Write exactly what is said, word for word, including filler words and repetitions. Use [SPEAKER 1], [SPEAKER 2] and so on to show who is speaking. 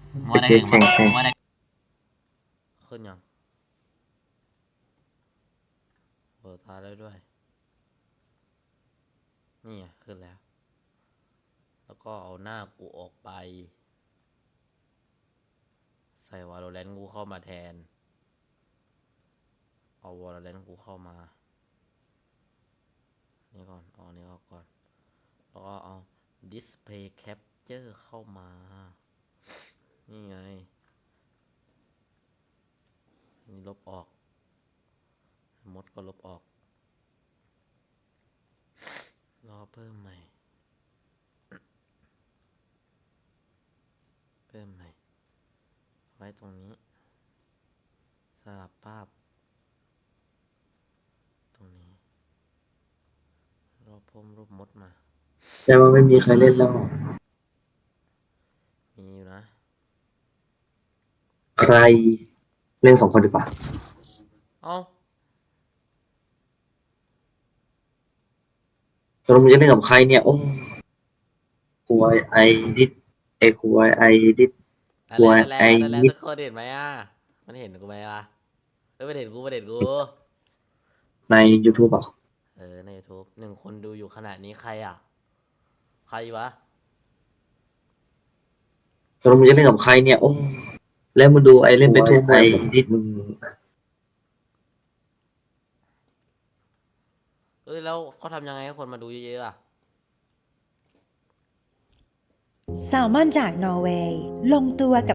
[SPEAKER 1] มัวได้
[SPEAKER 2] เด็ก
[SPEAKER 1] ถึง
[SPEAKER 2] แข่งแข่ง
[SPEAKER 1] มัวได้
[SPEAKER 3] ขึ้นยังเปิดตาได้ด้วยนี่ไงขึ้นแล้ว แล้วก็เอาหน้ากูออกไปใส่วาโลแรนต์กูเข้ามาแทนเอาวาโลแรนต์กูเข้ามานี่ก่อนเอานี่ออกก่อนแล้วก็เอา display capture เข้ามานี่ไงนี่ลบออกมดก็ลบออกรอเพิ่มใหม่เพิ่มใหม่ไว้ตรงนี้สลับภาพตรงนี้รอเพิ่มรูปมดมา
[SPEAKER 2] แต่ว่าไม่มีใครเล่นแล้ว
[SPEAKER 3] มีอยู่นะ
[SPEAKER 2] ใครเล่นสองคนดีกว่า
[SPEAKER 3] เอ้า
[SPEAKER 2] ตกลงมึงจะเล่นกับใครเนี่ย โอ้ควายไอดิดไอควายไอดิด
[SPEAKER 3] อะ
[SPEAKER 2] กลั
[SPEAKER 3] ไร
[SPEAKER 2] ว
[SPEAKER 3] อะไร
[SPEAKER 2] ไอ้
[SPEAKER 3] อะไร
[SPEAKER 2] นิด
[SPEAKER 3] ทุกคนเห็นไหมอ่ะมันเห็นกูไหมล่ะเอ้ยมันเห็นกูมันเห็นกู
[SPEAKER 2] ใน YouTube อ่ะ
[SPEAKER 3] เออใน YouTube หนึ่งคนดูอยู่ขนาดนี้ใครอ่ะใครวะ
[SPEAKER 2] ตกลงมึงจะเล่นกับใครเนี่ย โอ้แล้วมึงดูไอเล่นไปทั่วไอดิดมึง
[SPEAKER 3] เอ้ยแล้วเขาทำยังไงให้คนมาดูเยอะๆอ่ะ
[SPEAKER 4] แซลมอนจากนอร์เวย์ลงตัวกับ